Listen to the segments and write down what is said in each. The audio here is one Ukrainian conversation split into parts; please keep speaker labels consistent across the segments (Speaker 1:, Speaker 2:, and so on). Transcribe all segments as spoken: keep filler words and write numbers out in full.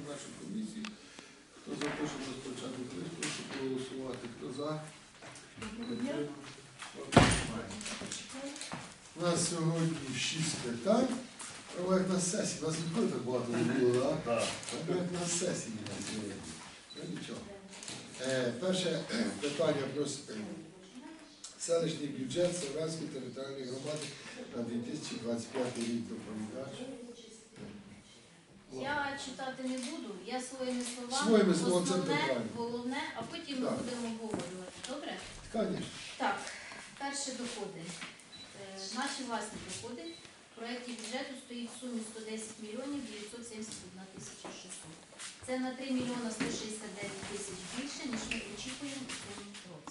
Speaker 1: нашу комісію. Хто за те, щоб розпочати тиждень, прошу проголосувати. Хто за? У нас сьогодні шість питань. Прямо як на сесії. У нас ніколи так багато не було, так?
Speaker 2: Так.
Speaker 1: Прямо як на сесії у нас сьогодні. Ну нічого. Е, перше питання про селищний бюджет Савранської територіальної громади на дві тисячі двадцять п'ятий рік. Доповідач.
Speaker 3: Я читати не буду, я своїми словами,
Speaker 1: Своїми словами, це
Speaker 3: основне,
Speaker 1: питання.
Speaker 3: головне, а потім ми
Speaker 1: Так.
Speaker 3: будемо обговорювати. Добре?
Speaker 1: Звісно.
Speaker 3: Так, перші доходи. Е, наші власні доходи. В проєкті бюджету стоїть в сумі сто десять мільйонів дев'ятсот сімдесят одна тисяча шістсот. Це на три мільйони сто шістдесят дев'ять тисяч більше, ніж ми очікуємо у цьому році.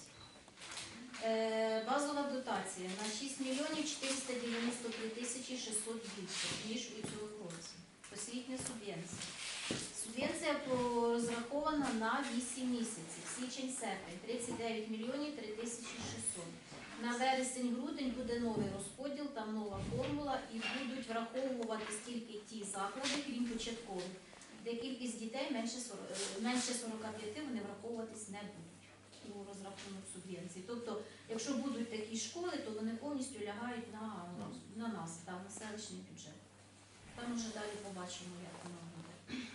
Speaker 3: Е, базова дотація на шість мільйонів чотириста дев'яносто три тисячі шістсот більше, ніж у цьому році. Освітня субвенція. Субвенція розрахована на вісім місяців. Січень-серпень тридцять дев'ять мільйонів три тисячі шістсот. На вересень-грудень буде новий розподіл, там нова формула і будуть враховувати стільки ті заклади, крім початкових, де кількість дітей менше сорок п'ять, вони враховуватись не будуть у розрахунок субвенції. Тобто, якщо будуть такі школи, то вони повністю лягають на, на нас, там, на селищний бюджет. Там вже далі побачимо, як воно буде.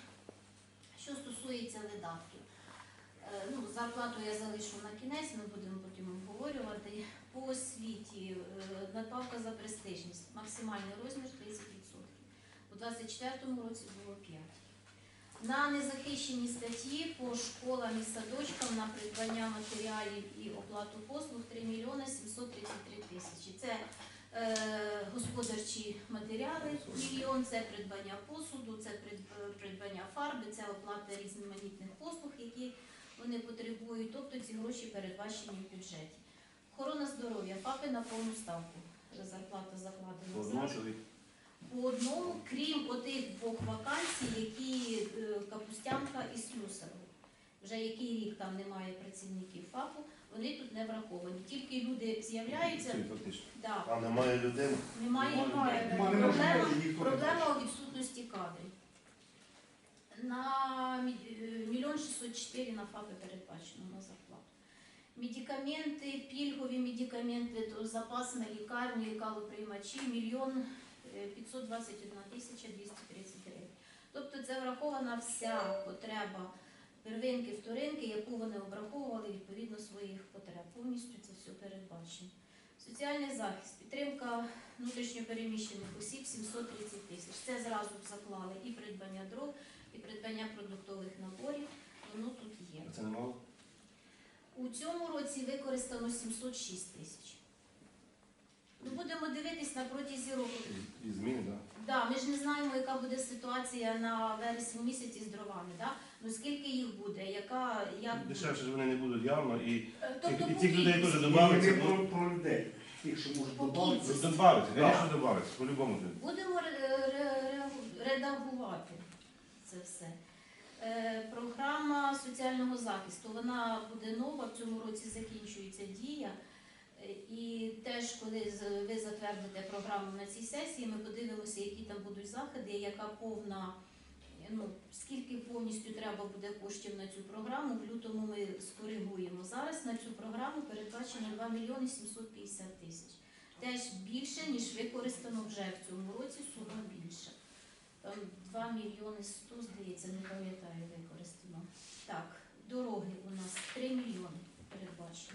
Speaker 3: Що стосується видатків, ну, зарплату я залишу на кінець, ми будемо потім обговорювати. По освіті надбавка за престижність, максимальний розмір тридцять відсотків. У двадцять четвертому році було п'ять. На незахищені статті по школам і садочкам на придбання матеріалів і оплату послуг три мільйони сімсот тридцять три тисячі. Це е, господарчі матеріали мільйон, це придбання посуду, це придбання фарби, це оплата різноманітних послуг, які вони потребують, тобто ці гроші передбачені в бюджеті. Охорона здоров'я, ФАПи на повну ставку, зарплата закладена зразу. По одному, крім отих двох вакансій, які е, Капустянка і Слюсарова. Вже який рік там немає працівників ФАПу, вони тут не враховані. Тільки люди з'являються, да,
Speaker 2: А немає людей?
Speaker 3: немає, немає. Проблема, проблема у відсутності кадрів. На мільйон шістсот чотири на ФАПи передбачено на зарплату. Медикаменти, пільгові медикаменти, запас на лікарні, калоприймачі, мільйон п'ятсот двадцять одна тисяча двісті тридцять гривень. Тобто це врахована вся потреба первинки, вторинки, яку вони обраховували відповідно своїх потреб. Повністю це все передбачено. Соціальний захист, підтримка внутрішньопереміщених осіб сімсот тридцять тисяч. Це зразу заклали і придбання дров, і придбання продуктових наборів. Воно тут є.
Speaker 2: Це немало?
Speaker 3: У цьому році використано сімсот шість тисяч. Ну, будемо дивитись на протязі року.
Speaker 2: І зміни, так?
Speaker 3: Да, ми ж не знаємо, яка буде ситуація на вересні місяці з дровами. Да? Ну, скільки їх буде, яка, як...
Speaker 2: Дешевше ж вони не будуть явно, і,
Speaker 3: Тобто,
Speaker 2: і цих людей теж
Speaker 4: Ми
Speaker 2: додавиться.
Speaker 4: про, про людей, тих, що можуть
Speaker 3: По
Speaker 4: додати.
Speaker 3: кількості.
Speaker 2: Добавиться, звісно, добавиться, по-любому.
Speaker 3: Будемо ре- ре- редагувати це все. Е, програма соціального захисту, вона буде нова, в цьому році закінчується дія. Е, І теж, коли з- ви затвердите програму на цій сесії, ми подивимося, які там будуть заходи, яка повна, ну, скільки повністю треба буде коштів на цю програму. В лютому ми скоригуємо. Зараз на цю програму передбачено два мільйони сімсот п'ятдесят тисяч. Теж більше, ніж використано вже в цьому році, сума більша. Там два мільйони сто, здається, не пам'ятаю, використано. Так, дороги у нас три мільйони передбачено.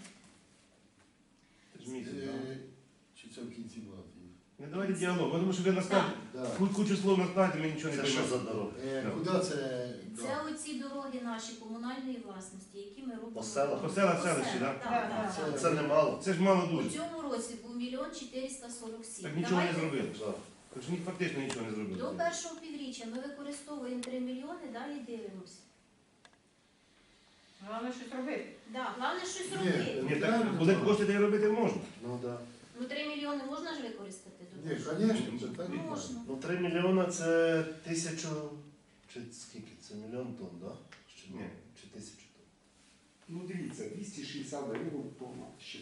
Speaker 2: Це ж місяць, так?
Speaker 1: Е, Чи це в кінці була?
Speaker 2: Не давайте діалог, тому що ви наскажете,
Speaker 1: Да.
Speaker 2: кучу слов наскажете, ми нічого не Це що
Speaker 1: Е,
Speaker 2: за дороги?
Speaker 1: Куди це?
Speaker 3: Це оці дороги наші комунальної власності, які ми робимо.
Speaker 2: По селах? По селах, селищі,
Speaker 3: так?
Speaker 2: да?
Speaker 3: Так, так,
Speaker 1: Це-
Speaker 3: так.
Speaker 2: Це немало. Це ж мало
Speaker 3: У
Speaker 2: дуже.
Speaker 3: цьому році був мільйон чотириста сорок сім.
Speaker 2: Так нічого не зробили. Так що ні, фактично нічого не
Speaker 3: До
Speaker 2: зробили.
Speaker 3: першого півріччя ми використовуємо три мільйони, далі дивимося.
Speaker 5: Головне щось робити.
Speaker 3: Да, головне щось
Speaker 1: Ні,
Speaker 3: робити.
Speaker 2: Ні, так, коли кошти де робити можна.
Speaker 1: Ну так.
Speaker 3: Ну три мільйони можна ж використати до
Speaker 1: Ні,
Speaker 3: першого?
Speaker 1: звісно, це так.
Speaker 3: Можна.
Speaker 2: Ну, три мільйони це тисячу, чи скільки? Це мільйон тонн, так? Чи ні? Чи тисячу тонн?
Speaker 4: Ну дивіться, двісті шістдесят гривень повна ще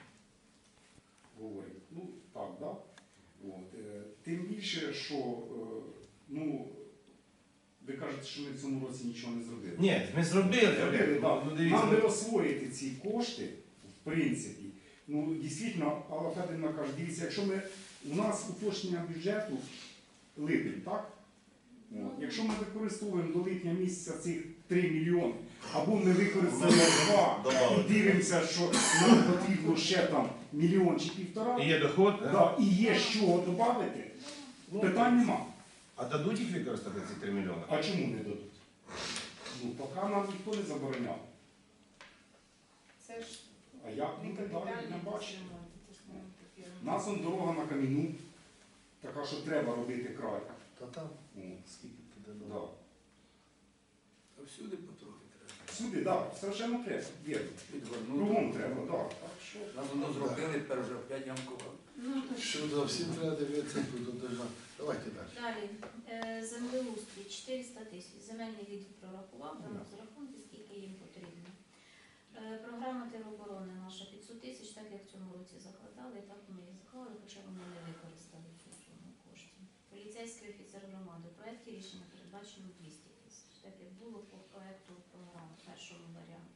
Speaker 4: говорить. Ну так, да? От. е, Тим більше, що е, ну, Ви кажете, що ми в цьому році нічого не зробили.
Speaker 2: Ні, ми зробили,
Speaker 4: Зробили,
Speaker 2: Олег.
Speaker 4: да.
Speaker 2: Ну, дивіться,
Speaker 4: Нам би
Speaker 2: ну,
Speaker 4: освоїти ці кошти, в принципі. Ну, дійсно, Алла Федорівна каже, дивіться, якщо ми, у нас уточнення бюджету липень, так? От. Якщо ми використовуємо до липня місяця цих три мільйони, або ми використаємо два
Speaker 2: Добавити.
Speaker 4: і дивимося, що нам потрібно ще там мільйон чи півтора,
Speaker 2: і є доход, да?
Speaker 4: да, і є з чого додати, питань нема.
Speaker 2: А дадуть їх використати ці три мільйони?
Speaker 4: А чому не дадуть? Ну, поки нам ніхто не забороняв.
Speaker 5: Це ж
Speaker 4: А як
Speaker 5: не
Speaker 4: буде далі,
Speaker 5: капітальний
Speaker 4: не бачимо.
Speaker 5: ремонт, це ж не такі
Speaker 4: У нас он дорога на каміну, така, що треба робити край.
Speaker 2: Та там,
Speaker 4: О,
Speaker 2: скільки туди
Speaker 4: да.
Speaker 2: дало.
Speaker 1: А всюди потрохи треба.
Speaker 4: Всюди, так, да, страшенно треба, вірно.
Speaker 6: Відвернути.
Speaker 4: Кругом треба, так. Да. Так що
Speaker 6: Нам воно зробили, тепер вже опять ямкували.
Speaker 3: Ну, то
Speaker 1: Що за всім треба дивитися, куди держа. Давайте далі.
Speaker 3: далі. Е, Землеустрій чотириста тисяч. Земельний відділ прорахував, дав розрахунки, скільки їм потрібно. Е, Програма тероборони наша п'ятсот тисяч, так як в цьому році закладали, так ми і заклали, хоча вони не використали цю суму коштів. Поліцейський офіцер громади. У проєкті рішення передбачено двісті тисяч, так як було по проєкту програми, першому варіанті.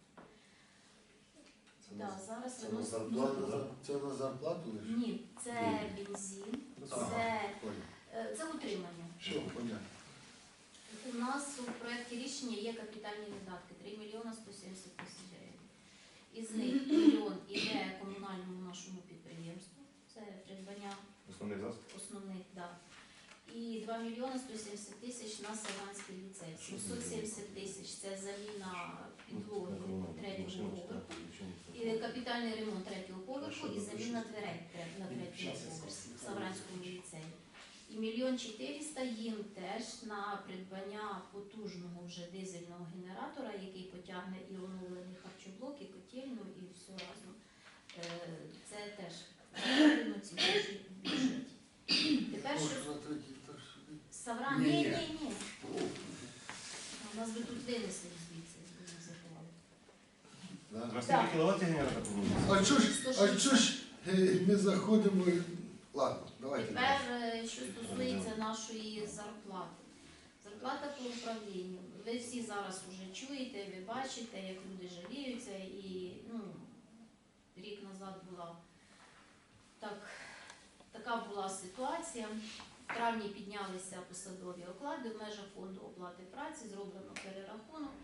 Speaker 2: Це
Speaker 3: Да,
Speaker 2: на-
Speaker 3: зараз
Speaker 2: це на
Speaker 3: виносить-
Speaker 2: зарплату,
Speaker 3: ну,
Speaker 2: да?
Speaker 1: Це на зарплату лише?
Speaker 3: Ні, це бензин,
Speaker 1: Ага,
Speaker 3: це,
Speaker 1: понял.
Speaker 3: е, це утримання.
Speaker 1: Що, понятно.
Speaker 3: У нас у проєкті рішення є капітальні видатки три мільйони сто сімдесят тисяч гривень. Із них мільйон іде комунальному нашому підприємству, це придбання
Speaker 2: Основний засіб.
Speaker 3: основних, да. І два мільйони сто сімдесят тисяч на Саванський ліцей. сімсот сімдесят тисяч це заміна підлоги третього поверху. І капітальний ремонт третього поверху і заміна дверей тре- на третьому поверсі в Савранському ліцеї. І мільйон чотириста їм теж на придбання потужного вже дизельного генератора, який потягне і оновлений харчоблок, і котельну, і все разом. Е, Це теж закладено ці гроші в бюджеті. Тепер що
Speaker 1: Може, на третій етаж сюди?
Speaker 3: Савран,
Speaker 4: Ні,
Speaker 3: ні,
Speaker 4: ні.
Speaker 3: ні, ні. У нас би тут винесли звідси, не заховали.
Speaker 1: Да.
Speaker 2: На скільки кіловат цей генератор повинен?
Speaker 1: А чого ж, а чого ж е, ми заходимо? і- Ладно, давайте
Speaker 3: Тепер,
Speaker 1: далі.
Speaker 3: е, що стосується нашої зарплати. Зарплата по управлінню. Ви всі зараз вже чуєте, ви бачите, як люди жаліються. І ну, рік назад була так, така була ситуація. В травні піднялися посадові оклади в межах фонду оплати праці, зроблено перерахунок.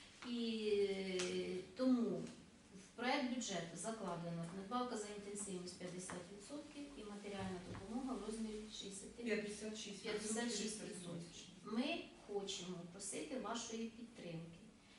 Speaker 3: І е, тому в проект бюджету закладено надбавка за інтенсивність п'ятдесят відсотків і матеріальна допомога в розмірі шістдесят
Speaker 5: п'ятдесят шість
Speaker 3: відсотків. Ми хочемо просити вашої підтримки.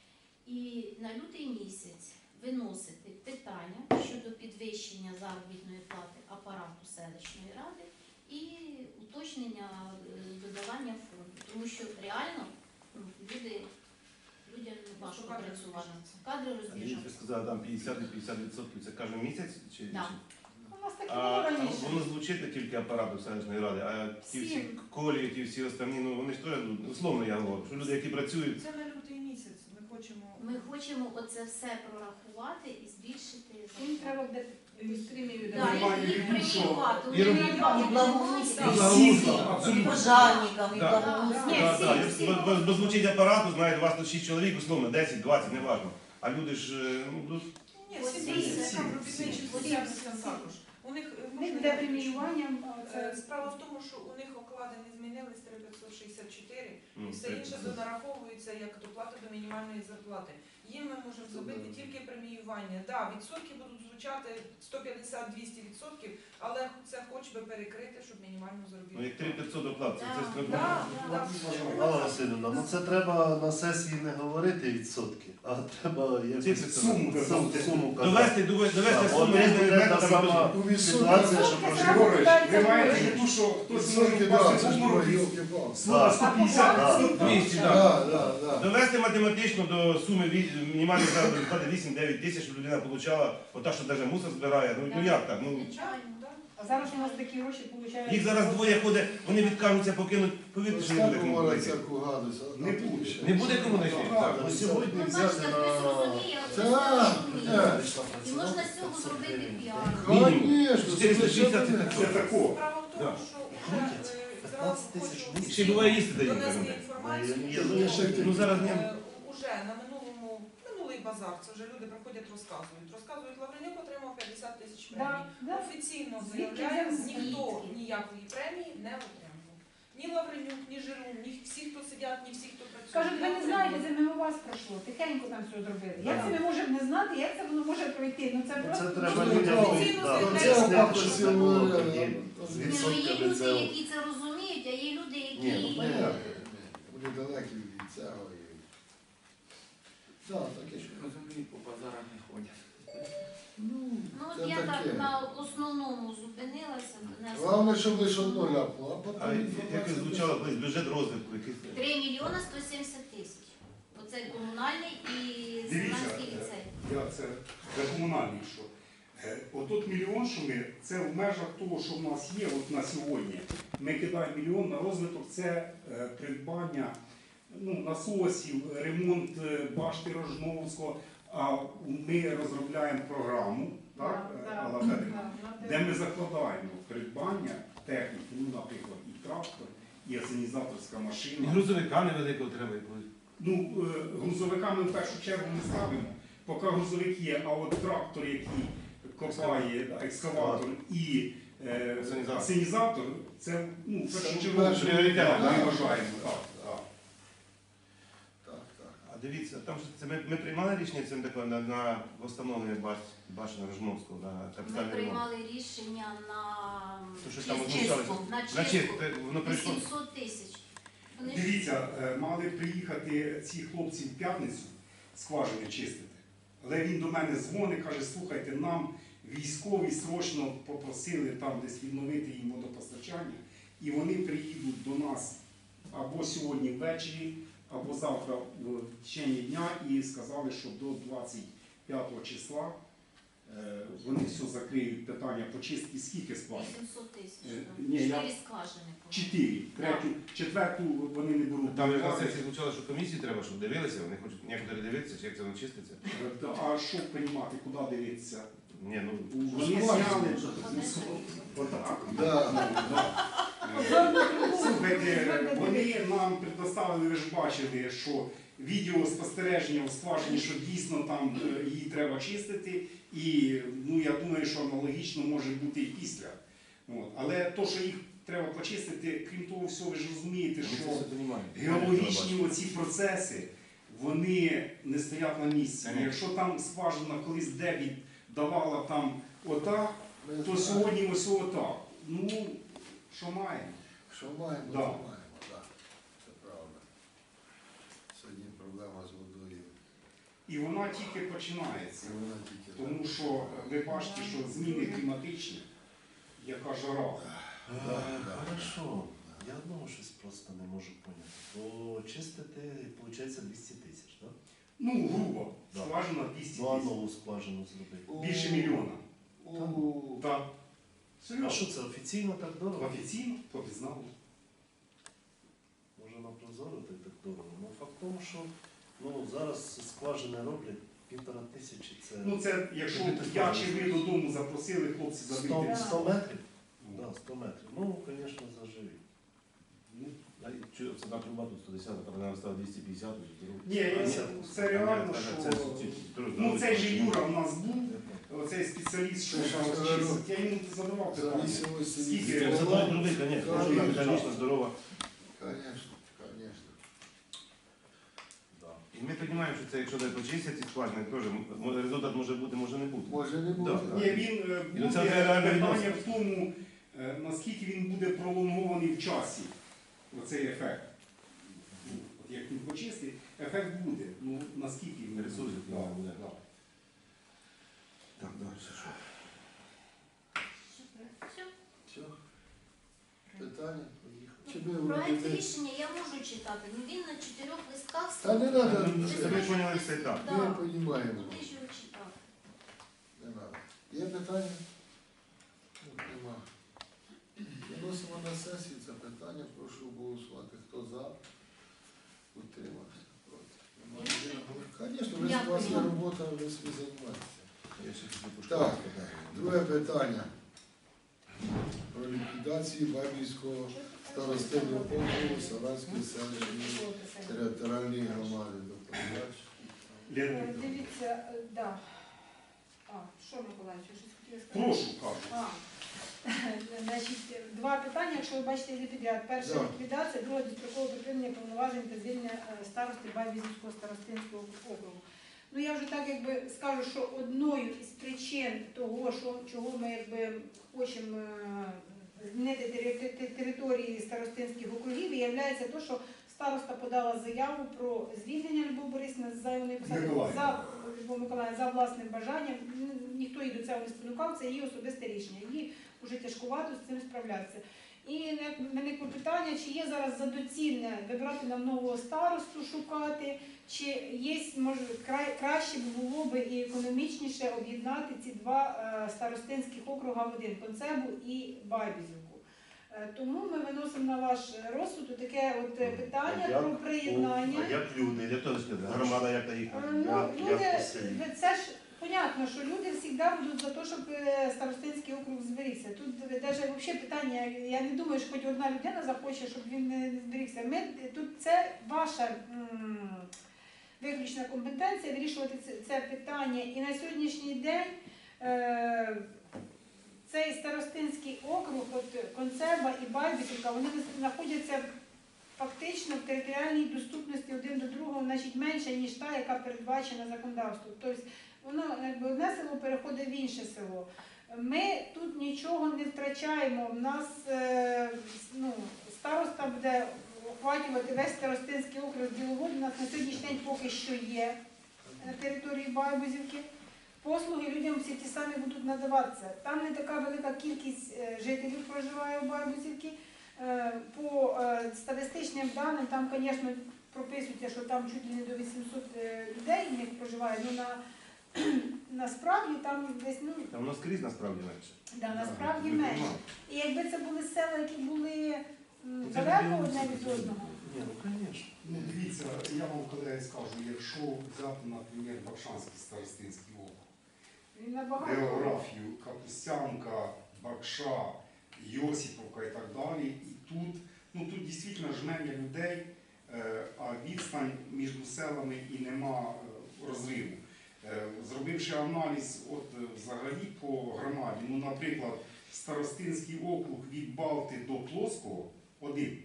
Speaker 3: І на лютий місяць виносити питання щодо підвищення заробітної плати апарату селищної ради і уточнення е, додавання фонду. Тому що реально ну, люди, людям важко
Speaker 5: Що кадри
Speaker 3: працювати.
Speaker 5: розбіжаться.
Speaker 3: Кадри
Speaker 2: А ви
Speaker 3: розбіжаться.
Speaker 2: сказали, там п'ятдесят і п'ятдесят відсотків, це кожен місяць? Чи,
Speaker 3: Да.
Speaker 2: чи-
Speaker 5: У нас таке
Speaker 2: А,
Speaker 5: було
Speaker 2: а
Speaker 5: раніше.
Speaker 2: воно звучить тільки апарату селищної ради, а ті всі
Speaker 5: Всім.
Speaker 2: колії, ті всі останні, ну вони ж теж, ну, условно я говорю, що люди, які працюють,
Speaker 5: Це на лютий місяць. Ми хочемо.
Speaker 3: Ми хочемо оце все прорахувати і збільшити
Speaker 5: Їм
Speaker 3: зарплату.
Speaker 5: треба буде півмільйона.
Speaker 3: Да,
Speaker 4: Нормальні
Speaker 3: їх їх
Speaker 4: люди, що?
Speaker 3: преміювати.
Speaker 2: І
Speaker 3: Вони
Speaker 2: робити.
Speaker 3: не
Speaker 7: І благоустрій,
Speaker 3: мають.
Speaker 4: Всі,
Speaker 2: Да.
Speaker 4: абсолютно.
Speaker 7: і пожарникам, і
Speaker 2: Да.
Speaker 7: благоустрій.
Speaker 5: Ні,
Speaker 2: да,
Speaker 5: всі,
Speaker 2: да,
Speaker 5: всі
Speaker 2: бо- бо-
Speaker 5: можуть.
Speaker 2: бо звучить апарату, знаєте, у вас тут шість чоловік, условно, десять, двадцять, не важливо. А люди ж, е, ну, тут
Speaker 5: Ні,
Speaker 3: Ось
Speaker 5: всі
Speaker 3: всі,
Speaker 5: всі, там робітничі
Speaker 3: всі,
Speaker 5: соціальні
Speaker 3: всі.
Speaker 5: там також. У них е,
Speaker 8: У них
Speaker 5: можна
Speaker 8: буде
Speaker 5: я
Speaker 8: преміювання,
Speaker 5: Е,
Speaker 8: це
Speaker 5: Справа в тому, що у них оклади не змінились, три п'ятсот шістдесят чотири,
Speaker 2: ну,
Speaker 5: і все інше донараховується як доплата до мінімальної зарплати. Їм ми можемо зробити тільки преміювання. Так, да, відсотки будуть звучати сто п'ятдесят - двісті відсотків, але це хоч би перекрити, щоб мінімальну
Speaker 2: ну,
Speaker 5: заробітну.
Speaker 2: як три п'ятсот оплат, це, це, це,
Speaker 5: Да,
Speaker 2: ну,
Speaker 5: да.
Speaker 2: Алла
Speaker 5: Да.
Speaker 2: Васильівна, ну це треба на сесії не говорити відсотки, а треба якось
Speaker 4: Суму казати.
Speaker 2: суму казати. Довести, довести, довести суму різними методами.
Speaker 1: У відсотки
Speaker 2: Ситуація, що
Speaker 8: Відсотки
Speaker 2: проживає.
Speaker 4: Григорич, ви маєте в виду, що хтось може
Speaker 1: відсотки, да,
Speaker 4: впасти
Speaker 1: це
Speaker 4: в
Speaker 1: ж
Speaker 4: обморок від
Speaker 1: йолки-палки.
Speaker 4: слова сто п'ятдесят
Speaker 2: Да.
Speaker 4: відсотків.
Speaker 2: двісті, так.
Speaker 1: Да, да, да.
Speaker 2: Довести математично до суми ві- мінімальної заробітної плати вісім-дев'ять тисяч, щоб людина отримала, ота, що навіть мусор збирає. Ну, ну як так? Ну,
Speaker 3: Звичайно.
Speaker 5: Да.
Speaker 8: а зараз у нас такі гроші получають.
Speaker 2: їх зараз двоє ходить, вони відкажуться покинуть, повірте, що не буде
Speaker 1: Скільки
Speaker 2: кому
Speaker 1: говорить
Speaker 2: знайти.
Speaker 1: всяку гадость, а
Speaker 4: Не
Speaker 1: тут
Speaker 4: буде.
Speaker 1: ще.
Speaker 2: Не буде кому знайти.
Speaker 1: Так,
Speaker 2: Так.
Speaker 1: ну,
Speaker 2: сьогодні
Speaker 3: Ну, бачите, хтось розуміє, а хтось не
Speaker 1: Так,
Speaker 3: розуміє.
Speaker 1: так.
Speaker 3: І можна з цього зробити піар.
Speaker 1: Конечно,
Speaker 2: чотириста шістдесят
Speaker 4: Це тако.
Speaker 5: Справа в тому,
Speaker 2: Да.
Speaker 5: що вже е, зразу
Speaker 2: п'ятнадцять тисяч
Speaker 5: хочу
Speaker 2: Ще буває їсти дають.
Speaker 5: донести
Speaker 2: кажуть.
Speaker 5: інформацію. громадську.
Speaker 2: Є, ну, я ще- ну, зараз ні.
Speaker 5: Е, Уже на минулому, минулий базар, це вже люди приходять, розказують. Розказують, Лавренюк отримав п'ятдесят тисяч премії.
Speaker 8: Да, да.
Speaker 5: Офіційно
Speaker 8: Звідки
Speaker 5: заявляє,
Speaker 8: взяли?
Speaker 5: ніхто
Speaker 3: Звідки?
Speaker 5: ніякої премії не отримав. Ні Лавренюк, ні Жирун, ні всі, хто сидять, ні всі, хто працює.
Speaker 8: Кажуть, ви не знаєте, це мимо вас пройшло, тихенько там все зробили. Як
Speaker 2: Да.
Speaker 8: це ми можемо не знати, як це воно може пройти? Ну це
Speaker 2: Це
Speaker 8: просто
Speaker 2: треба
Speaker 5: Ну,
Speaker 2: людям
Speaker 5: офіційно
Speaker 2: да,
Speaker 5: заявляють,
Speaker 2: пояснити,
Speaker 1: що
Speaker 2: що
Speaker 1: це
Speaker 2: це було
Speaker 1: було,
Speaker 2: тоді.
Speaker 1: е,
Speaker 2: З
Speaker 3: Ні, ну є
Speaker 2: відсотками
Speaker 3: люди,
Speaker 2: це.
Speaker 3: які це розуміють, а є люди,
Speaker 2: Ні, ну,
Speaker 3: які
Speaker 2: понятно.
Speaker 1: Вони далекі від цього. і- Так, таке що.
Speaker 6: Розуміють, по базарах не ходять.
Speaker 1: Ну,
Speaker 3: ну от
Speaker 1: це
Speaker 3: я
Speaker 1: таке.
Speaker 3: так на основному зупинилася, донесла.
Speaker 1: Головне, щоб лише одно ляпнуло, а потім
Speaker 2: А як
Speaker 1: інформація
Speaker 2: звучало
Speaker 1: буде.
Speaker 2: колись бюджет розвитку, який
Speaker 3: три мільйони сто сімдесят тисяч. Оце комунальний і
Speaker 4: Дивіться,
Speaker 3: Селянський
Speaker 4: е,
Speaker 3: ліцей.
Speaker 4: я це, це комунальний, що е, отут мільйон, що ми, це в межах того, що в нас є от на сьогодні. Ми кидаємо мільйон на розвиток, це е, придбання ну, насосів, ремонт е, башти Рожновського. А ми розробляємо програму, так,
Speaker 8: Да,
Speaker 4: е,
Speaker 8: да,
Speaker 4: Алла Федорівна,
Speaker 8: да, да.
Speaker 4: де ми закладаємо придбання техніки, ну, наприклад, і трактор, і асенізаторська
Speaker 2: і
Speaker 4: машина.
Speaker 2: грузовика невеликого треба якогось.
Speaker 4: Ну, е, грузовиками в першу чергу не ставимо, поки грузовик є, а от трактор, який копає, да, екскаватор і е,
Speaker 2: Асенізатор.
Speaker 4: асенізатор, це ну, в
Speaker 1: Це
Speaker 4: першу
Speaker 1: перший
Speaker 4: чергу
Speaker 2: пріоритет,
Speaker 4: да,
Speaker 2: да.
Speaker 4: ми вважаємо. Так, так.
Speaker 1: Так, так.
Speaker 2: А дивіться, там ж це ми, ми приймали рішення цим такое на, на встановлення баш, башни Рожновського на
Speaker 3: Ми
Speaker 2: капітальний ремонт.
Speaker 3: приймали рішення на
Speaker 2: То що там
Speaker 3: чистку,
Speaker 2: озвучалося?
Speaker 3: на
Speaker 2: Значить,
Speaker 3: чистку
Speaker 2: те- воно прийшло.
Speaker 3: вісімсот тисяч. Вони ж
Speaker 4: Дивіться, е, мали приїхати ці хлопці в п'ятницю скважини чистити. Але він до мене дзвонить, каже, слухайте, нам військові срочно попросили там десь відновити їм водопостачання, і вони приїдуть до нас або сьогодні ввечері, або завтра в течение дня, і сказали, що до двадцять п'ятого числа е, вони все закриють питання по чистці. Скільки скважин?
Speaker 3: вісімсот тисяч.
Speaker 4: Е,
Speaker 3: там.
Speaker 4: ні, я-
Speaker 3: Чотири скважини. по-моєму.
Speaker 4: Чотири. Третю, четверту вони не беруть.
Speaker 2: Там
Speaker 4: до
Speaker 2: якраз
Speaker 4: уваги.
Speaker 2: сесії звучало, що комісії треба, щоб дивилися, вони хочуть некоторі дивитися, чи як це воно чиститься.
Speaker 4: Та, А що приймати, куди дивитися?
Speaker 2: Ні, ну,
Speaker 4: Вони
Speaker 1: скважини.
Speaker 4: зняли отак.
Speaker 1: Да.
Speaker 4: Слухайте, вони нам предоставили, ви ж бачили, що відеоспостереження у скважині, що дійсно там е, її треба чистити, і ну, я думаю, що аналогічно може бути і після. От. Але то, що їх треба почистити, крім того всього, ви ж розумієте,
Speaker 2: ми це
Speaker 4: що
Speaker 2: все розуміємо.
Speaker 4: геологічні оці процеси, вони не стоять на місці.
Speaker 2: Конечно.
Speaker 4: Якщо там скважина колись дебіт давала там отак,
Speaker 1: Ми
Speaker 4: то
Speaker 1: знаємо.
Speaker 4: сьогодні ось отак. Ну, що маємо?
Speaker 1: Що маємо,
Speaker 4: Да.
Speaker 1: то маємо, так. Це правда. Сьогодні проблема з водою.
Speaker 4: І вона тільки починається.
Speaker 1: Це вона тільки.
Speaker 4: Тому що ви бачите, що зміни кліматичні, яка жара.
Speaker 1: Да,
Speaker 2: Е,
Speaker 1: да.
Speaker 2: Хорошо. Я одного щось просто не можу поняти. Бо чистити, виходить, двісті тисяч, так?
Speaker 4: Ну, грубо,
Speaker 2: Да.
Speaker 4: скважина двісті
Speaker 2: Ну, а
Speaker 4: тисяч.
Speaker 2: нову скважину зробити.
Speaker 4: Більше мільйона.
Speaker 1: У,
Speaker 4: Так.
Speaker 2: А
Speaker 4: Серйозно.
Speaker 2: що це офіційно так дорого?
Speaker 4: Офіційно, попізнали.
Speaker 2: Може на прозоро так так дорого. Ну факт в тому, що ну, зараз скважини роблять півтора тисячі. Це
Speaker 4: Ну, це якщо
Speaker 2: Тобі ти
Speaker 4: я
Speaker 2: скажеш.
Speaker 4: чи ви додому запросили, хлопці
Speaker 2: сто,
Speaker 4: забити.
Speaker 2: сто метрів? Да, сто метрів. Ну, звісно, заживі.
Speaker 4: Ну,
Speaker 2: А чи це так труба тут сто десят, там вона стала двісті п'ятдесят.
Speaker 4: Ні, я- це реально, що- Ну, цей же Юра у нас був, оцей спеціаліст, що
Speaker 1: Це ж
Speaker 4: там
Speaker 1: здорово.
Speaker 4: чистить. Я йому задавав питання.
Speaker 1: зависимості від
Speaker 4: Скільки?
Speaker 2: Це
Speaker 1: Це
Speaker 2: було другий, звісно.
Speaker 1: Конечно.
Speaker 2: Механічно здорова.
Speaker 1: Конечно, конечно.
Speaker 2: Да. І ми розуміємо, що це, якщо не почистять ці скважини, теж м- результат може бути, може не бути.
Speaker 1: Може не буде.
Speaker 2: Да.
Speaker 4: Ні, він е,
Speaker 2: І
Speaker 4: буде
Speaker 2: це реально
Speaker 4: питання в тому, е, наскільки він буде пролонгований в часі, оцей ефект. Ну, От як він почистить, ефект буде. Ну, наскільки він
Speaker 2: Ресурсів
Speaker 4: Да,
Speaker 2: не буде.
Speaker 4: да.
Speaker 2: Так, далі що?
Speaker 3: Все.
Speaker 1: Все. Питання? Чи ми
Speaker 3: Проект
Speaker 1: вроде-
Speaker 3: рішення я можу читати, але він на чотирьох листках.
Speaker 1: Та не треба.
Speaker 2: Ну, це ви поняли все і так.
Speaker 3: Да.
Speaker 1: Ми розуміємо.
Speaker 3: Куди ж його читати?
Speaker 1: Не треба. Є питання? Ну, Нема. Виносимо на сесію це питання. Прошу голосувати. Хто за? Утримався. Проти. Немає. Звісно, ви у вас є
Speaker 3: Дякую.
Speaker 1: робота, ви собі займаєтеся.
Speaker 2: Я ще хотів
Speaker 1: Так,
Speaker 2: пошукати.
Speaker 1: Друге питання. Про ліквідацію Бабівського старостинного округу Саранської селищної територіальної громади. Доповідач.
Speaker 4: Лена
Speaker 8: Е,
Speaker 4: Вікторівна.
Speaker 8: Дивіться, е, да. А, що, Миколаївич, ви щось хотіли сказати?
Speaker 4: Прошу, кажу.
Speaker 8: А, значить, два питання, якщо ви бачите їх підряд. Перша
Speaker 1: Да.
Speaker 8: ліквідація, друга дострокове припинення повноважень та звільнення е, старости Байбізівського старостинського округу. Ну я вже так якби скажу, що одною із причин того, що, чого ми якби хочемо е, змінити тери- те- території старостинських округів, є те, що староста подала заяву про звільнення Любов Борисівни з зайвої посади
Speaker 4: Миколаївна.
Speaker 8: за Любов Миколаївна, за власним бажанням. Н- Ніхто її до цього не спонукав, це її особисте рішення. Їй вже тяжкувато з цим справлятися. І в мене питання, чи є зараз за доцільне вибирати нам нового старосту, шукати, чи є, може, край, краще б було б і економічніше об'єднати ці два е, старостинських округа в один – Концебу і Байбізівку. Е, тому ми виносимо на ваш розсуд таке от е, питання
Speaker 2: А як?
Speaker 8: про приєднання.
Speaker 2: А як люди, як то сказати, громада як та їх?
Speaker 8: Е, Ну,
Speaker 2: Як-
Speaker 8: люди,
Speaker 2: як по селі?
Speaker 8: це ж понятно, що люди завжди будуть за те, щоб е, старостинський округ зберігся. Тут навіть взагалі питання, я не думаю, що хоч одна людина захоче, щоб він не не зберігся. Ми, тут це ваша м, виключна компетенція вирішувати це, це питання. І на сьогоднішній день е, цей старостинський округ, от Концеба і Байбісівка, вони знаходяться фактично в територіальній доступності один до другого, значить менше, ніж та, яка передбачена законодавством. Тобто воно якби одне село переходить в інше село. Ми тут нічого не втрачаємо. У нас е, ну, староста буде охватювати весь старостинський округ Біловод. У нас на сьогоднішній день поки що є на території Байбузівки. Послуги людям всі ті самі будуть надаватися. Там не така велика кількість е, жителів проживає в Байбузівці. Е, По е, статистичним даним, там, звісно, прописується, що там чуть ли не до вісімсот е, людей в них проживає, ну на, насправді там десь, ну,
Speaker 2: Там у нас скрізь насправді менше.
Speaker 8: да, насправді
Speaker 2: Ну,
Speaker 8: менше.
Speaker 2: нема.
Speaker 8: І якби це були села, які були м,
Speaker 2: Ну, це
Speaker 8: далеко
Speaker 2: не
Speaker 8: одне
Speaker 2: білоруси,
Speaker 8: від одного.
Speaker 2: Ні, ну, звісно.
Speaker 4: Ну, дивіться, я вам колеги скажу, якщо взяти, наприклад, Бакшанський старостинський округ,
Speaker 8: Він набагато.
Speaker 4: географію, Капустянка, Бакша, Йосиповка і так далі, і тут, ну тут дійсно жменя людей, е, а відстань між селами і нема е, розриву. Е, Зробивши аналіз от, е, взагалі по громаді, ну, наприклад, Старостинський округ від Балти до Плоского один.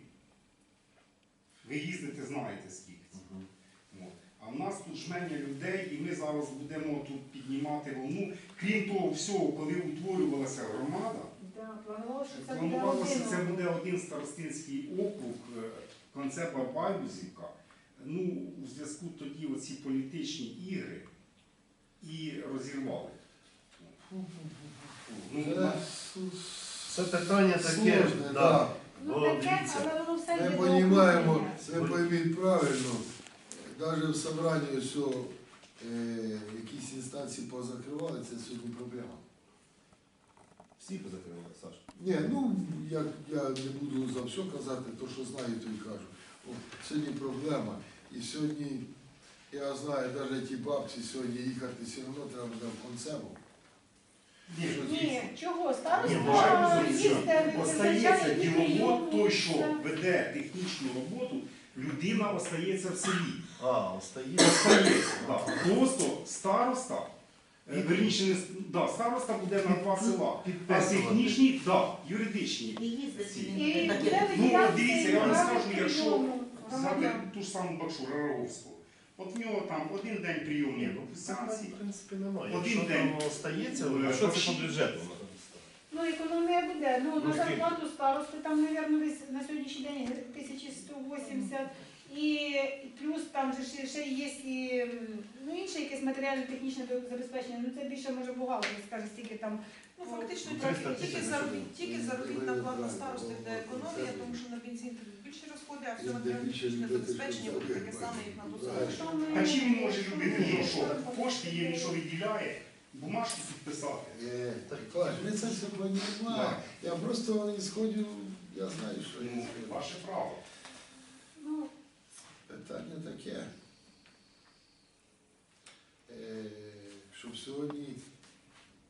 Speaker 4: Ви їздите, знаєте скільки це.
Speaker 2: Мгм.
Speaker 4: От. А в нас тут жменя людей, і ми зараз будемо тут піднімати волну. Крім того всього, коли утворювалася громада,
Speaker 8: Да, планувалося, що це буде
Speaker 4: планувалося,
Speaker 8: один.
Speaker 4: це буде один старостинський округ, е, Концеба Байбузівка. Ну, у зв'язку тоді оці політичні ігри і розірвали. Ну,
Speaker 1: Це
Speaker 4: на-
Speaker 2: Це питання таке.
Speaker 1: сложне,
Speaker 2: да.
Speaker 1: да.
Speaker 8: Ну
Speaker 2: Бо
Speaker 8: таке,
Speaker 2: дивіться,
Speaker 8: але воно все
Speaker 1: Ми
Speaker 8: йде до
Speaker 1: розуміємо,
Speaker 8: обговорення.
Speaker 1: ви пойміть правильно, навіть в собранні все, е, якісь інстанції позакривали, це сьогодні проблема.
Speaker 2: всі позакривали, Саш.
Speaker 1: Ні, ну як я не буду за все казати, то що знаю, то і кажу. О, сьогодні проблема. І сьогодні, я знаю, навіть ті бабці сьогодні їхати все одно треба буде в Концебу.
Speaker 4: Ні,
Speaker 8: Ні, чого?
Speaker 4: Ні,
Speaker 8: Староста
Speaker 4: вважаю,
Speaker 8: їсти,
Speaker 4: остається діловод, той, що
Speaker 8: Це-
Speaker 4: веде технічну роботу, людина остається в селі.
Speaker 2: А, остає.
Speaker 4: Остається, да. Просто староста, е, верніше, не с- да, староста буде на два села. А
Speaker 2: Підписувати.
Speaker 4: технічні, да, юридичні.
Speaker 7: І їздити
Speaker 4: Ці.
Speaker 7: він
Speaker 8: І
Speaker 7: не
Speaker 8: буде
Speaker 7: таке.
Speaker 4: Ну,
Speaker 8: виділятися
Speaker 4: дивіться, я вам
Speaker 8: право
Speaker 4: скажу, якщо
Speaker 8: прийому
Speaker 4: Взяти
Speaker 8: громадян.
Speaker 4: ту ж саму Бакшу Раровську. От в нього там один день
Speaker 2: Ні,
Speaker 4: прийомів
Speaker 2: ну
Speaker 4: в
Speaker 2: це
Speaker 4: станції.
Speaker 2: в принципі немає.
Speaker 4: Один
Speaker 2: Якщо
Speaker 4: день.
Speaker 2: там остається,
Speaker 4: Е,
Speaker 2: а що це
Speaker 4: почти.
Speaker 2: по бюджету?
Speaker 8: Ну, економія буде. Ну,
Speaker 2: Ну,
Speaker 8: на
Speaker 2: скільки?
Speaker 8: зарплату старости там, мабуть, десь на сьогоднішній день тисяча сто вісімдесят. І і плюс там же ще, ще є і, м, ну, інше якесь матеріально-технічне забезпечення. Ну, це більше може бухгалтер скаже, стільки там.
Speaker 5: Ну, фактично,
Speaker 2: триста
Speaker 5: тільки,
Speaker 2: тисяч
Speaker 5: тільки,
Speaker 2: на
Speaker 5: заробіт,
Speaker 2: сюди.
Speaker 5: тільки заробітна плата старости буде економія, тому що на бензин тут більше розходи, а все матеріально-технічне забезпечення буде таке саме, як на досудовому.
Speaker 8: Що ми-
Speaker 4: А чим він може любити? Ну що, кошти є, він що виділяє, бумажку підписати.
Speaker 1: Е, Клаш, ми це все розуміємо. Я просто ісходю, я знаю, що
Speaker 4: Ну,
Speaker 1: є.
Speaker 4: ваше право.
Speaker 8: Ну,
Speaker 1: Питання таке. Е, щоб сьогодні,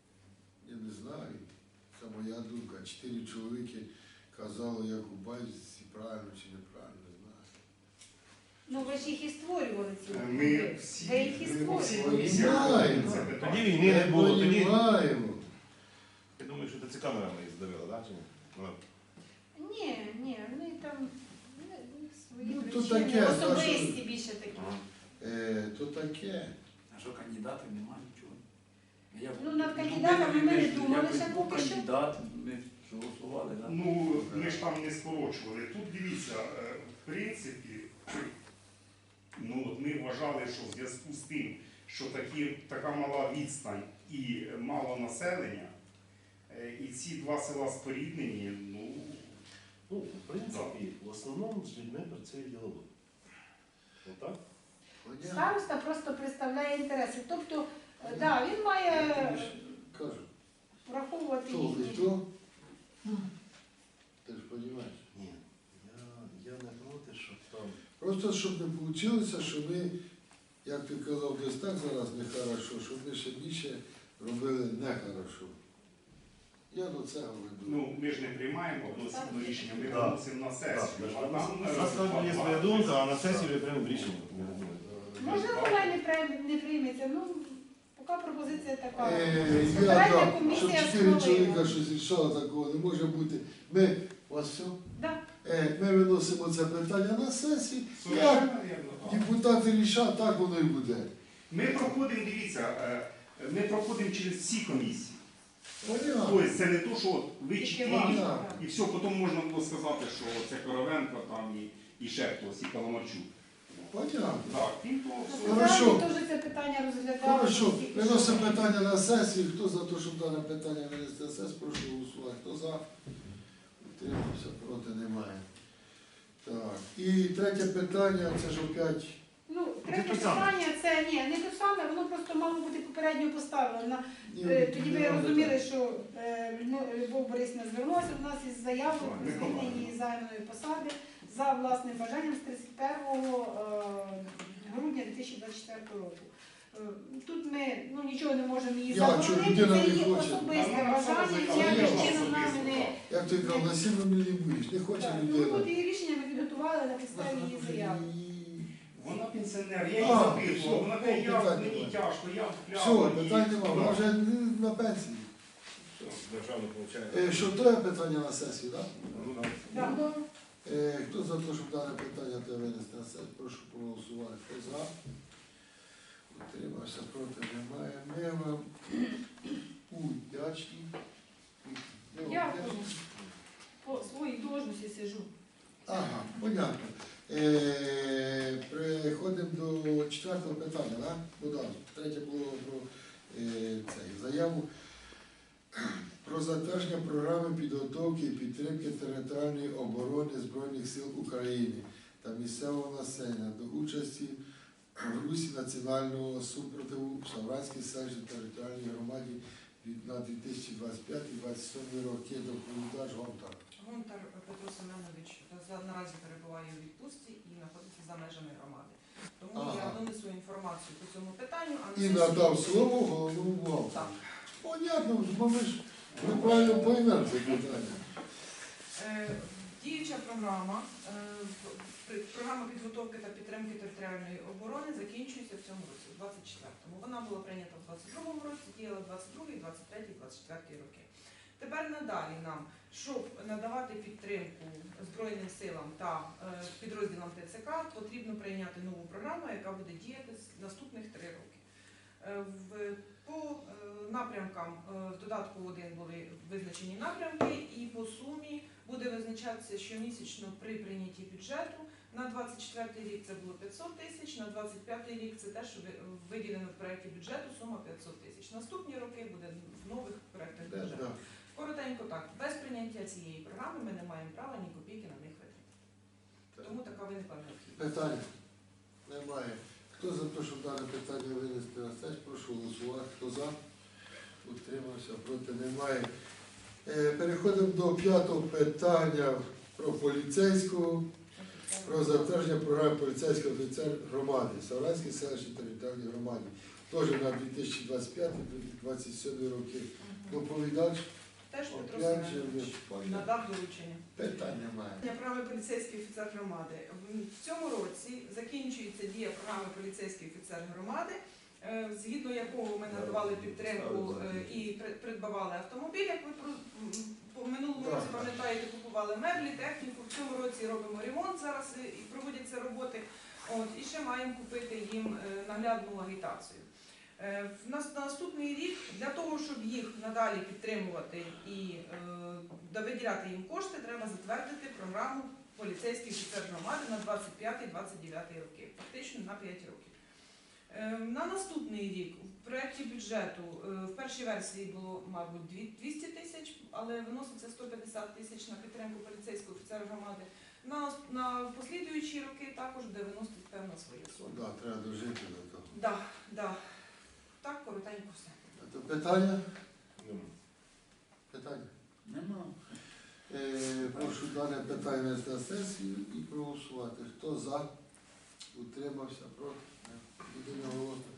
Speaker 1: я не знаю, це моя думка, чотири чоловіки казали, як у Байзі, правильно чи неправильно, не знаю.
Speaker 8: Ну ви ж їх і створювали ці
Speaker 4: Ми
Speaker 8: округи.
Speaker 4: всі,
Speaker 8: Ви їх і
Speaker 4: ми по всій
Speaker 8: створювали.
Speaker 4: комісії
Speaker 1: Знаємо.
Speaker 4: говорили це питання.
Speaker 2: Тоді війни не було, тоді.
Speaker 1: Понімаємо.
Speaker 2: Я думаю, що це камерами їх здавили, так? Чи ні? Ну,
Speaker 8: Ні, ні, вони там ну, свої
Speaker 1: Ну, то
Speaker 8: причини,
Speaker 1: таке,
Speaker 8: особисті
Speaker 1: та,
Speaker 8: більше такі.
Speaker 2: ага.
Speaker 1: Е, то таке.
Speaker 6: А що кандидатів немає нічого? Я,
Speaker 8: Ну, над кандидатами ми не
Speaker 6: ж
Speaker 8: думали,
Speaker 6: якось
Speaker 8: ще
Speaker 6: був
Speaker 8: поки що.
Speaker 6: кандидат, ми ж голосували, так?
Speaker 4: Ну, ми ж там не скорочували. Тут дивіться, е, в принципі, ну от ми вважали, що в зв'язку з тим, що такі, така мала відстань і мало населення, е, і ці два села споріднені, ну,
Speaker 2: Ну, в принципі, в основному з людьми працює діловод. Отак?
Speaker 1: Понятно.
Speaker 8: Староста просто представляє інтереси. Тобто, е, да, він має
Speaker 1: Я тобі ж кажу,
Speaker 8: враховувати
Speaker 1: хто ви
Speaker 8: їхні.
Speaker 1: хто? Ти ж розумієш.
Speaker 2: Ні. Я, я не проти, щоб там.
Speaker 1: Просто щоб не вийшло, що ми, як ти казав, десь так зараз нехорошо, щоб ми ще більше робили нехорошо. Я до цього веду.
Speaker 4: ну ми ж не приймаємо одноосібне рішення, ми
Speaker 2: Так.
Speaker 4: виносимо на сесію.
Speaker 2: Так,
Speaker 4: А там,
Speaker 2: у нас там є своя думка, а на сесії вже приймемо рішення. Я не думаю.
Speaker 8: Можливо, вона й не прийме- не прийметься. Ну, поки пропозиція така.
Speaker 1: Е, Я
Speaker 8: Центральна
Speaker 1: дав, щоб
Speaker 8: комісія
Speaker 1: чотири
Speaker 8: схвалила.
Speaker 1: чоловіка щось рішало, такого не може бути. Ми, у вас все?
Speaker 8: Да.
Speaker 1: Е, Ми виносимо це питання на сесії. Як
Speaker 4: Совершенно вірно, так.
Speaker 1: депутати рішать, так воно і буде.
Speaker 4: Ми проходимо, дивіться, е, ми проходимо через всі комісії.
Speaker 1: Понятно.
Speaker 4: Тобто це не то, що от ви
Speaker 8: Тільки
Speaker 4: чотири,
Speaker 8: вам,
Speaker 1: так.
Speaker 8: так.
Speaker 4: і все, потім можна було сказати, що це Коровенко там і, і ще хтось, і Паламарчук.
Speaker 1: Понятно.
Speaker 4: Так, він то
Speaker 8: На
Speaker 4: все.
Speaker 1: Хорошо.
Speaker 8: централі теж це питання розглядали.
Speaker 1: Хорошо,
Speaker 8: тільки
Speaker 1: виносимо
Speaker 8: що.
Speaker 1: питання на сесію. Хто за те, щоб дане питання винести на сесію, прошу голосувати. Хто за? Утримався, проти немає. Так. І третє питання, це ж опять.
Speaker 8: Ну, третє
Speaker 2: те саме.
Speaker 8: питання, це ні, не те саме, воно просто мало бути попередньо поставлено. На-
Speaker 1: Ні,
Speaker 8: е, Тоді ви
Speaker 1: не
Speaker 8: розуміли,
Speaker 1: питання.
Speaker 8: що е, Людмила- Любов Борисівна звернулася до нас із заявою про
Speaker 4: Ми
Speaker 8: звільнення
Speaker 4: побачили.
Speaker 8: її займаної посади за власним бажанням з тридцять першого е, грудня дві тисячі двадцять четвертого року. Е, Тут ми ну, нічого не можемо її
Speaker 1: Я, що
Speaker 8: заборонити,
Speaker 1: людина
Speaker 8: це
Speaker 1: не
Speaker 8: її
Speaker 1: хоче.
Speaker 8: особисте
Speaker 4: А вона
Speaker 8: бажання,
Speaker 4: сама
Speaker 8: ніяким
Speaker 1: заявила
Speaker 8: чином нами
Speaker 4: особисто,
Speaker 8: не.
Speaker 4: так.
Speaker 1: Як ти казав, насильно мені не будеш, не хоче
Speaker 8: Так, Ну,
Speaker 1: людина.
Speaker 8: от її рішення ми підготували на підставі її заяви.
Speaker 4: Вона пенсіонер, я її
Speaker 1: А,
Speaker 4: запитував,
Speaker 1: все,
Speaker 4: вона каже, я,
Speaker 1: питань
Speaker 4: мені
Speaker 1: немає.
Speaker 4: тяжко, я
Speaker 1: Все,
Speaker 4: впляла.
Speaker 1: питань немає, вона вже на пенсії.
Speaker 2: Державно получає.
Speaker 1: Е, Що то є питання на сесію, так?
Speaker 2: Ну, так.
Speaker 8: Так.
Speaker 1: Е, Хто за те, щоб дане питання те винести на сесію, прошу проголосувати. Хто за? Утримався, проти немає. Ми вам удячні. Ми вам
Speaker 8: Дякую.
Speaker 1: вдячні.
Speaker 8: По своїй должності сижу.
Speaker 1: Ага, понятно. Е, Переходимо до четвертого питання, да? Богдан, третє було про е, цей, заяву про затвердження програми підготовки і підтримки територіальної оборони Збройних сил України та місцевого населення до участі в русі національного супротиву в Савранській селищній територіальній громаді від- на дві тисячі двадцять п'ятий - двадцять сьомий роки. Доповідач Гонтар.
Speaker 5: Гонтар Петро Семенович за- наразі перебуває у відпустці і знаходиться за межами громади. Тому
Speaker 1: Ага.
Speaker 5: я донесу інформацію по цьому питанню, а на
Speaker 1: І
Speaker 5: сесію-
Speaker 1: надав слово головному вам.
Speaker 5: Так.
Speaker 1: Понятно, бо ми ж неправильно поймемо це питання.
Speaker 5: Е, Діюча програма, е, в- при- програма підготовки та підтримки територіальної оборони закінчується в цьому році, у двадцять четвертому. Вона була прийнята в двадцять другому році, діяла двадцять другий, двадцять третій, двадцять четвертий роки. Тепер надалі нам, щоб надавати підтримку Збройним силам та е, підрозділам Т Ц К, потрібно прийняти нову програму, яка буде діяти з наступних три роки. Е, в- По е, напрямкам е, в додатку один були визначені напрямки, і по сумі буде визначатися щомісячно при прийнятті бюджету. На двадцять четвертий рік це було п'ятсот тисяч, на двадцять п'ятий рік це те, що ви- виділено в проєкті бюджету, сума п'ятсот тисяч. Наступні роки буде в нових проєктах
Speaker 1: Да,
Speaker 5: бюджету.
Speaker 1: да.
Speaker 5: Коротенько так, без прийняття цієї програми ми не маємо права ні копійки на них витратити. Тому така виникла необхідність.
Speaker 1: Питання немає. Хто за те, щоб дане питання винести на сесію, прошу голосувати. Хто за? Утримався, проти немає. Е, Переходимо до п'ятого питання про поліцейського, про затвердження програми поліцейського офіцер громади, Савранській селищній територіальній громаді. Теж на дві тисячі двадцять п'ятий - двадцять сьомий роки. Доповідач
Speaker 5: теж Петро
Speaker 1: Опять же,
Speaker 5: Семенович
Speaker 1: ви поняли.
Speaker 5: надав доручення.
Speaker 1: Питання має.
Speaker 5: Програми поліцейський офіцер громади. В цьому році закінчується дія програми поліцейський офіцер громади, е, згідно якого ми надавали підтримку е, і при- придбавали автомобіль, як ви про- м, по минулому році пам'ятаєте, купували меблі, техніку. В цьому році робимо ремонт зараз е, і проводяться роботи. От, і ще маємо купити їм е, наглядну агітацію. Е, в нас на наступний рік для того, щоб їх надалі підтримувати і е, да- виділяти їм кошти, треба затвердити програму поліцейський офіцер громади на двадцять п'ятий - двадцять дев'ятий роки, фактично на п'ять років. Е, на наступний рік в проєкті бюджету е, в першій версії було, мабуть, дві- двісті тисяч, але виноситься сто п'ятдесят тисяч на підтримку поліцейського офіцера громади. На, на послідуючі роки також буде виносити певна своя сума.
Speaker 1: Да, треба дожити до того.
Speaker 5: Да, да. Так, коротенько все.
Speaker 1: А то питання?
Speaker 2: Нема.
Speaker 1: Питання?
Speaker 6: Нема.
Speaker 1: Е, прошу дане питання на сесію і проголосувати. Хто за? Утримався? Проти?